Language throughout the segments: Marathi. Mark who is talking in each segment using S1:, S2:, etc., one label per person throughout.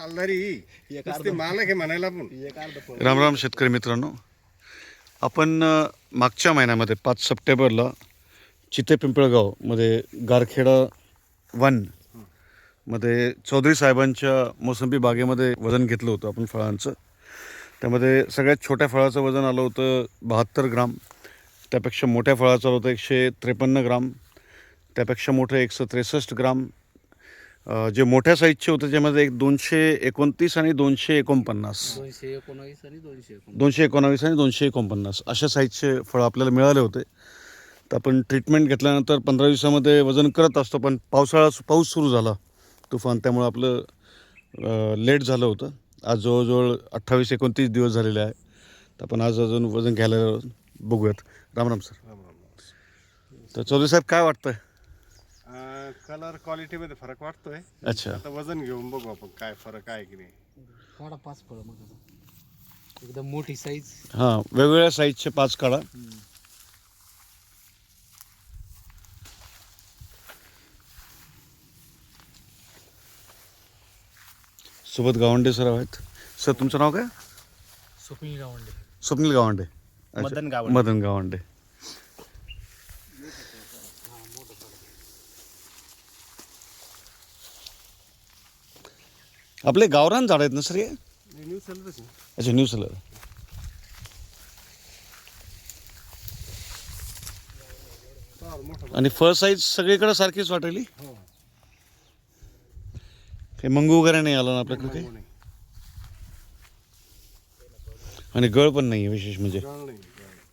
S1: मालक आहे म्हणायला पण.
S2: राम राम शेतकरी मित्रांनो, आपण मागच्या महिन्यामध्ये 5 सप्टेंबरला चिते पिंपळगावमध्ये गारखेडा 1 मध्ये चौधरी साहेबांच्या मोसंबी बागेमध्ये वजन घेतलं होतं आपण फळांचं. त्यामध्ये सगळ्यात छोट्या फळाचं वजन आलं होतं 72 ग्राम, त्यापेक्षा मोठ्या फळाचं आलं होतं 153 ग्राम, त्यापेक्षा मोठं 163 ग्राम, जे मोठ्या साईजचे होते त्यामध्ये 229 आणि 249 219 आणि 249 अशा साईजचे फळं आपल्याला मिळाले होते. तर आपण ट्रीटमेंट घेतल्यानंतर 15 दिवसामध्ये वजन करत असतो, पण पाऊस सुरू झाला तुफान, त्यामुळे आपलं लेट झालं होतं. आज जवळजवळ 28-29 दिवस झालेले आहे. तर आपण आज अजून वजन घ्यायला बघूयात. राम राम सर. तर चौधरी साहेब, काय वाटतंय?
S1: कलर क्वालिटीमध्ये फरक वाटतोय.
S2: अच्छा,
S1: आता वजन घेऊन बघू आपण काय फरक आहे की नाही.
S3: काढा 5 फळं मग आता. एकदम मोठी साईज.
S2: हां, वेगवेगळ्या साईजचे 5 काढा. सोबत गावंडे सर आहेत. सर, तुमचं नाव काय?
S3: स्वप्नील गावंडे.
S2: स्वप्नील गावंडे. अच्छा,
S1: मदन गावंडे.
S2: मदन गावंडे. आपले गावरान झाड आहेत ना सर हे?
S1: न्यू सेलरच आहे.
S2: अच्छा, न्यू सेलर. आणि फळ साईज सगळीकडे सारखीच वाटेल.
S1: हो.
S2: काही मंगू वगैरे नाही आलं ना आपल्याकडे काही,
S1: नाही.
S2: आणि गळ पण नाही आहे विशेष म्हणजे.
S1: गळ नाही.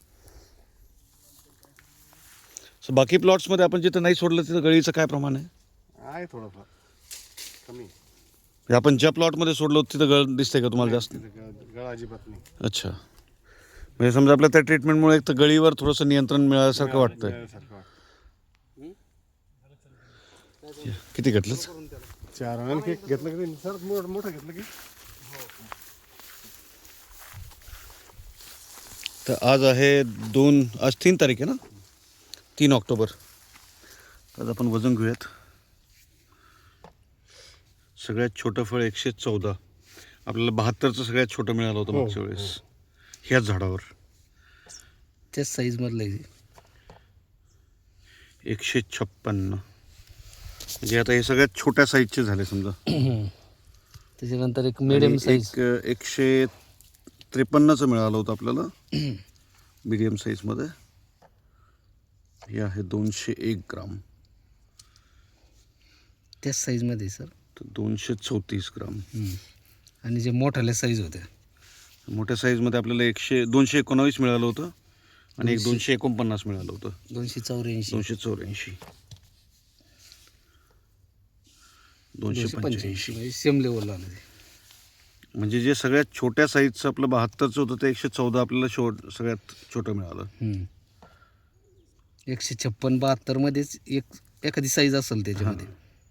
S2: सो बाकी प्लॉट्समध्ये आपण जिथं नाही सोडलं तिथं गळीचं काय प्रमाण आहे?
S1: आहे थोडंफार कमी.
S2: म्हणजे आपण ज्या प्लॉटमध्ये सोडलो तिथं गळ दिसते का तुम्हाला जास्त?
S1: गळ अजिबात नाही.
S2: अच्छा, म्हणजे समजा आपल्या त्या ट्रीटमेंटमुळे एक तर गळीवर थोडंसं नियंत्रण मिळाल्यासारखं वाटतंय.
S1: मिळाल्यासारखं वाटतं.
S2: किती घेतलं?
S1: 4 आणखी एक घेतलं की सर, मोठं घेतलं की.
S2: तर आज आहे आज 3 तारीख आहे ना, 3 ऑक्टोबर. आज आपण वजन घेऊयात. सगळ्यात छोटं फळ 114. आपल्याला 72चं सगळ्यात छोटं मिळालं होतं मागच्या वेळेस ह्याच झाडावर.
S3: त्याच साईज मधलं आहे.
S2: 156. म्हणजे आता हे सगळ्यात छोट्या साईजचे झाले समजा.
S3: त्याच्यानंतर एक मिडियम साईज.
S2: 153चं मिळालं होतं आपल्याला मीडियम साईजमध्ये. हे आहे 201 ग्राम.
S3: त्याच साईज मध्ये सर.
S2: तर 234 ग्राम.
S3: आणि जे मोठ्याल्या साईज होत्या,
S2: मोठ्या साईजमध्ये आपल्याला 219 मिळालं होतं आणि एक 249 मिळालं होतं.
S3: 284.
S2: 284. 285.
S3: सेम लेवलला आलं ते.
S2: म्हणजे जे सगळ्यात छोट्या साईजचं आपलं 72चं होतं ते 114 आपल्याला सगळ्यात छोटं मिळालं.
S3: 156, 72 मध्येच एखादी साईज असेल त्याच्यामध्ये.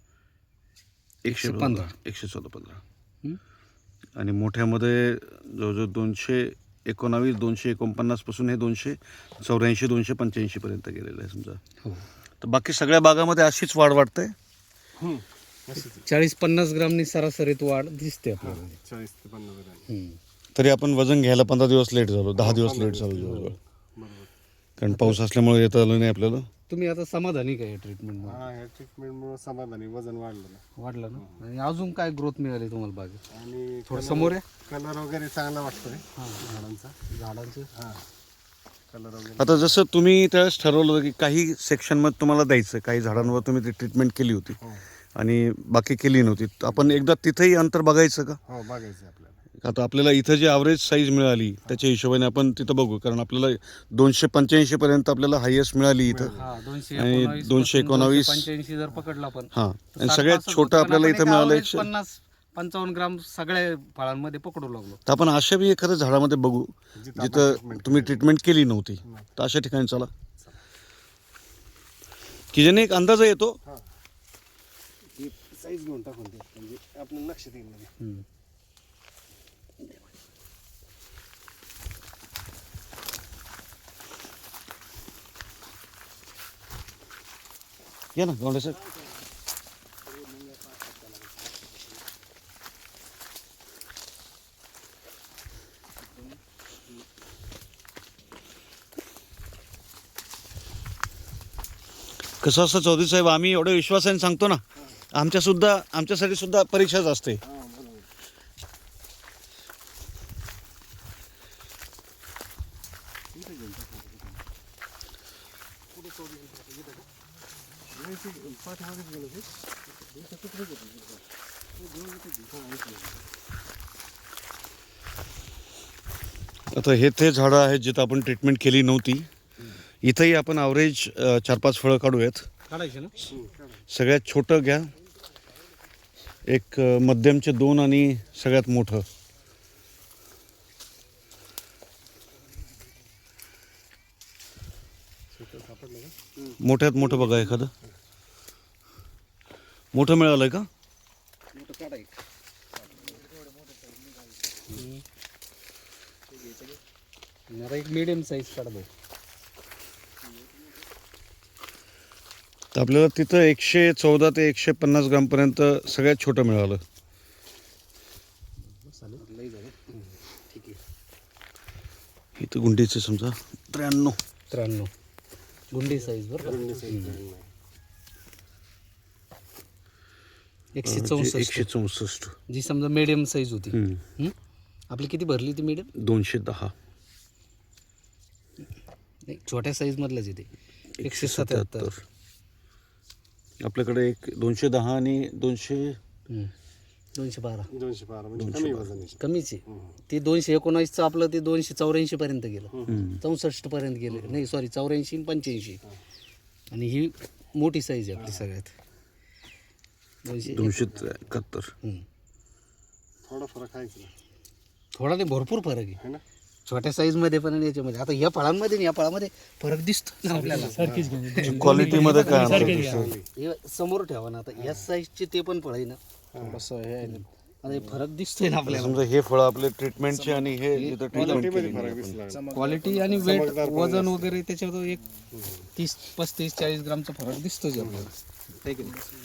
S2: 115. 115. आणि मोठ्यामध्ये जवळजवळ 219, 249 पासून हे 284, 285 पर्यंत गेलेलं आहे समजा.
S3: हो.
S2: तर बाकी सगळ्या बागामध्ये अशीच वाढ वाटते.
S3: 40-50 ग्रामनी सरासरीत वाढ दिसते आपल्याला.
S1: 40 ते 50 ग्रॅम.
S2: तरी आपण वजन घ्यायला 15 दिवस लेट झालो, 10 दिवस लेट झालो जवळजवळ.
S1: बरोबर.
S2: कारण पाऊस असल्यामुळे येता आलं नाही आपल्याला.
S3: तुम्ही आता समाधानी काय ट्रीटमेंट
S1: ह्या ट्रीटमेंटमुळे समाधानी वजन वाढलं ना.
S3: वाढलं ना? आणि अजून काय ग्रोथ मिळाली तुम्हाला बागेत?
S1: आणि
S3: थोडं समोर आहे.
S1: कलर वगैरे चांगला वाटतोय
S3: झाडांचं.
S1: कलर वगैरे.
S2: आता जसं तुम्ही त्यावेळेस ठरवलं होतं की काही सेक्शनमध्ये तुम्हाला द्यायचं, काही झाडांवर तुम्ही ती ट्रीटमेंट केली होती आणि बाकी केली नव्हती, आपण एकदा तिथेही अंतर बघायचं का?
S1: हो, बघायचं आपल्याला.
S2: आता आपल्याला इथं जी ॲव्हरेज साईज मिळाली त्याच्या हिशोबाने आपण तिथं बघू, कारण आपल्याला 285 पर्यंत आपल्याला हायेस्ट मिळाली इथं. आणि 219,
S3: 85 जर पकडला आपण.
S2: हां, आणि सगळ्यात छोटं आपल्याला इथं मिळालं
S3: 50-55 ग्राम सगळ्या फळांमध्ये पकडू लागलो.
S2: तर आपण अशा बी एखाद्या झाडामध्ये बघू जिथं तुम्ही ट्रीटमेंट केली नव्हती, तर अशा ठिकाणी चला की ज्याने एक अंदाज येतो.
S1: साईज घेऊन टाकून ते म्हणजे आपल्याला लक्षात येईल.
S2: या ना गावडे साहेब. कसं असतं चौधरी साहेब, आम्ही एवढ्या विश्वासाने सांगतो ना, आमच्यासाठी सुद्धा परीक्षाच असते. आता हे ते झाडं आहेत जिथं आपण ट्रीटमेंट केली नव्हती. इथंही आपण ॲव्हरेज 4-5 फळं काढूयात.
S3: काढायचे ना.
S2: सगळ्यात छोटं घ्या, एक मध्यमचे 2 आणि सगळ्यात मोठं. मोठ्यात मोठं बघा एखादं. मोठं मिळालंय का?
S3: जरा एक मीडियम साईज काढा भाऊ.
S2: तर आपल्याला तिथं 114 ते 150 ग्रामपर्यंत सगळ्यात छोटं मिळालं.
S3: लई झालं. ठीक आहे.
S2: इथं गुंडीचे समजा 93.
S3: गुंडी साईज बरं. 164
S2: 164.
S3: जी समजा मीडियम साईज होती. आपली किती भरली ती मीडियम?
S2: 210.
S3: नाही, छोट्या साईज मधलंच येते. 177.
S2: आपल्याकडे एक 210 आणि 212.
S1: 212 म्हणजे कमी वजन आहे.
S3: कमीच आहे. ते 219चं आपलं ते 284 पर्यंत गेलं. 64 पर्यंत गेलं. नाही सॉरी, 84 आणि 85. आणि ही मोठी साईज आहे आपली सगळ्यात.
S2: 271.
S1: थोडा फरक आहे की
S3: थोडा नाही, भरपूर फरक आहे
S1: है ना.
S3: छोट्या साईज मध्ये पण आणि याच्यामध्ये. आता या फळांमध्ये या फळामध्ये फरक दिसतो ना आपल्याला.
S2: क्वालिटीमध्ये काय अंतर दिसतं?
S3: हे समोर ठेवा ना. आता या साईजचे ते पण फळ आहे ना, थोडंसं हे आहे ना. आता हे फरक दिसतोय ना आपल्याला.
S2: समजा हे फळ आपले ट्रीटमेंटचे आणि हे जिथं ट्रीटमेंट केली
S1: फरक दिसला.
S3: क्वालिटी आणि वेट वजन वगैरे त्याच्यावर एक 30-35-40 ग्रामचा फरक दिसतोच आपल्याला. है की नाही?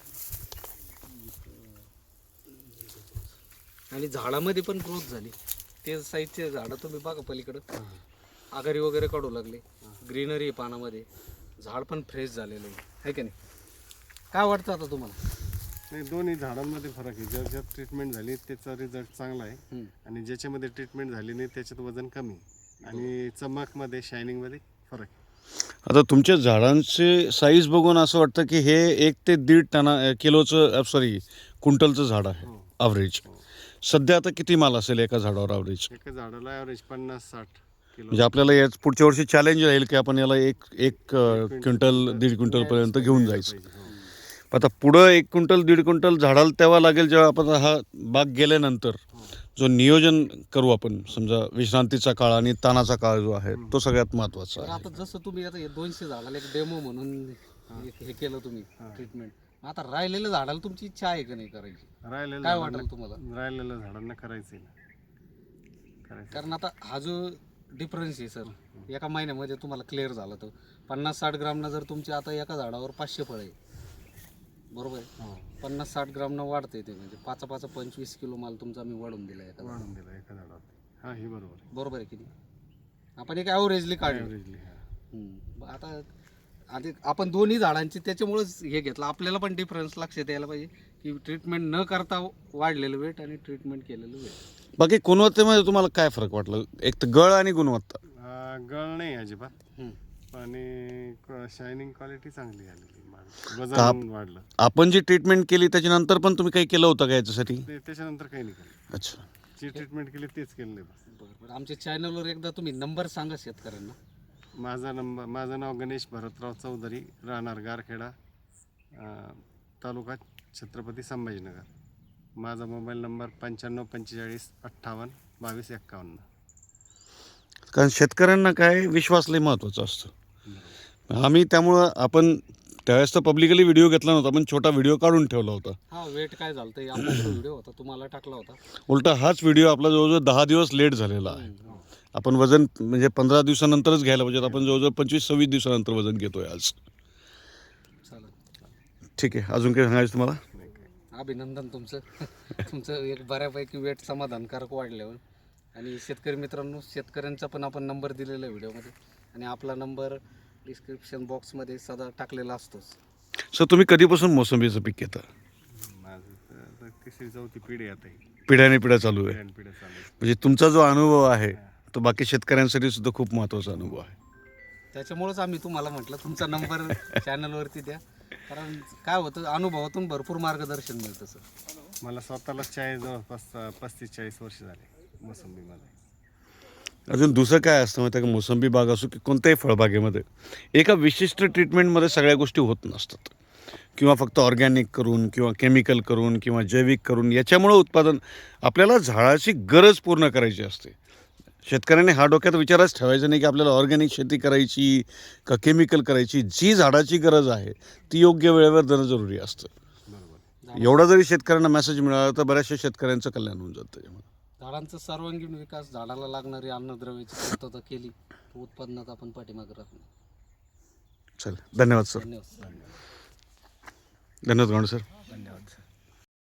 S3: आणि झाडामध्ये पण ग्रोथ झाली. ते साईजचे झाडं तुम्ही बघा पलीकडं, आघारी वगैरे काढू लागले. ग्रीनरी पानामध्ये, झाड पण फ्रेश झालेलं आहे की नाही? काय वाटतं आता तुम्हाला?
S1: नाही, दोन्ही झाडांमध्ये फरक आहे. ज्याच्यात ट्रीटमेंट झाली त्याचा रिझल्ट चांगला आहे आणि ज्याच्यामध्ये ट्रीटमेंट झाली नाही त्याच्यात वजन कमी आणि चमकमध्ये शायनिंगमध्ये फरक आहे.
S2: आता तुमच्या झाडांचे साईज बघून असं वाटतं की हे 1 ते 1.5 किलोचं क्विंटलचं झाड आहे ॲव्हरेज. सध्या आता किती माल असेल एका झाडावर ॲव्हरेज?
S1: एका झाडाला ॲव्हरेज 50-60 किलो.
S2: म्हणजे आपल्याला याच पुढच्या वर्षी चॅलेंज राहील की आपण याला एक क्विंटल 1.5 क्विंटलपर्यंत घेऊन जायचं. आता पुढं 1 क्विंटल 1.5 क्विंटल झाडाला तेव्हा लागेल जेव्हा आपण हा बाग गेल्यानंतर जो नियोजन करू आपण. समजा विश्रांतीचा काळ आणि तानाचा काळ जो आहे तो सगळ्यात महत्त्वाचा
S3: तर
S2: आहे.
S3: आता जसं तुम्ही आता 200 झाडाला एक डेमो म्हणून हे केलं तुम्ही ट्रीटमेंट. आता राहिलेल्या झाडाला तुमची इच्छा आहे का नाही करायची? काय वाटेल तुम्हाला?
S1: राहिलेल्या झाडांना करायचं
S3: कारण आता हा जो डिफरन्स आहे सर, एका महिन्यामध्ये तुम्हाला क्लिअर झाला. तर 50-60 ग्रामनं जर तुमची आता एका झाडावर 500 फळं आहे, बरोबर आहे? 50-60 ग्रामनं वाढते ते, म्हणजे 5-25 किलो माल तुमचा आम्ही वाढून दिला एका
S1: झाडावर. हा, ही बरोबर आहे.
S3: बरोबर आहे की नाही? आपण एक ॲव्हरेजली काढलं.
S1: Averagely, हा.
S3: आता आधी आपण दोन्ही झाडांची त्याच्यामुळेच हे घेतलं. आपल्याला पण डिफरन्स लक्षात यायला पाहिजे की ट्रीटमेंट न करता वाढलेलं वेट आणि ट्रीटमेंट केलेलं वेट.
S2: बाकी गुणवत्तेमध्ये तुम्हाला काय फरक वाटलं? एक तर गळ आणि गुणवत्ता.
S1: गळ नाही अजिबात आणि शायनिंग क्वालिटी चांगली आलेली.
S2: आप-
S1: वजन वाढलं.
S2: आपण जी ट्रीटमेंट केली त्याच्यानंतर पण तुम्ही काही केलं होतं का याच्यासाठी?
S1: त्याच्यानंतर काही नाही केलं.
S2: अच्छा.
S1: जी ट्रीटमेंट केली तेच केलं बस.
S3: बरं, आमच्या चॅनलवर एकदा तुम्ही नंबर सांगा शेतकऱ्यांना.
S1: माझं नाव गणेश भरतराव चौधरी, राहणार गारखेडा, तालुका छत्रपती संभाजीनगर. माझा मोबाईल नंबर 9545582251.
S2: कारण शेतकऱ्यांना काय विश्वास लय महत्त्वाचा असतो. आम्ही त्यामुळं आपण त्यावेळेस तर पब्लिकली व्हिडिओ घेतला नव्हता, पण छोटा व्हिडिओ काढून ठेवला होता.
S3: हा, वेट काय झालं ते आपला व्हिडिओ होता, तुम्हाला टाकला होता.
S2: उलटा हाच व्हिडिओ आपला जवळजवळ 10 दिवस लेट झालेला आहे. आपण वजन म्हणजे 15 दिवसानंतरच घ्यायला पाहिजे. आपण जवळजवळ 25-26 दिवसानंतर वजन घेतोय आज.
S3: चालेल.
S2: ठीक आहे, अजून काही सांगायचं तुम्हाला?
S3: अभिनंदन तुमचं. तुमचं एक बऱ्यापैकी वेट समाधानकारक वाढल्यावर. आणि शेतकरी मित्रांनो, शेतकऱ्यांचा पण आपण नंबर दिलेला आहे व्हिडिओमध्ये. आणि आपला नंबर डिस्क्रिप्शन बॉक्समध्ये सदा टाकलेला असतोच.
S2: सर तुम्ही कधीपासून मोसंबीचं पीक घेता?
S1: माझं तर आता तिसरी चौथी पिढी आता ही.
S2: पिढ्याने पिढ्या चालू आहे.
S1: पिढ्या चालू आहे.
S2: म्हणजे तुमचा जो अनुभव आहे तो बाकी शेतकऱ्यांसाठी सुद्धा खूप महत्त्वाचा अनुभव आहे.
S3: त्याच्यामुळेच आम्ही तुम्हाला म्हटलं तुमचा नंबर चॅनलवरती द्या, कारण काय होतं अनुभवातून भरपूर मार्गदर्शन मिळतं सर.
S1: मला स्वतःला जवळपास 35-40 वर्ष झाले मोसंबीमध्ये.
S2: अजून दुसरं काय असतं माहिती आहे का, मोसंबी बाग असो की कोणत्याही फळबागेमध्ये एका विशिष्ट ट्रीटमेंटमध्ये सगळ्या गोष्टी होत नसतात, किंवा फक्त ऑर्गॅनिक करून किंवा केमिकल करून किंवा जैविक करून याच्यामुळं उत्पादन. आपल्याला झाडाची गरज पूर्ण करायची असते. शेतकऱ्याने हा डोक्यात विचारच ठेवायचा नाही की आपल्याला ऑर्गॅनिक शेती करायची का केमिकल करायची. जी झाडाची गरज आहे ती योग्य वेळेवर देणं जरुरी असतं.
S1: बरोबर.
S2: एवढा जरी शेतकऱ्यांना मेसेज मिळाला तर बऱ्याचशा शेतकऱ्यांचं कल्याण होऊन जातं त्याच्यामुळे.
S3: झाडांचा सर्वांगीण विकास, झाडाला लागणारी अन्नद्रव्याची पूर्तता केली तर उत्पादनात आपण पाठीमागे राहत नाही.
S2: चल, धन्यवाद सर.
S3: धन्यवाद.
S2: धन्यवाद गावंडे सर.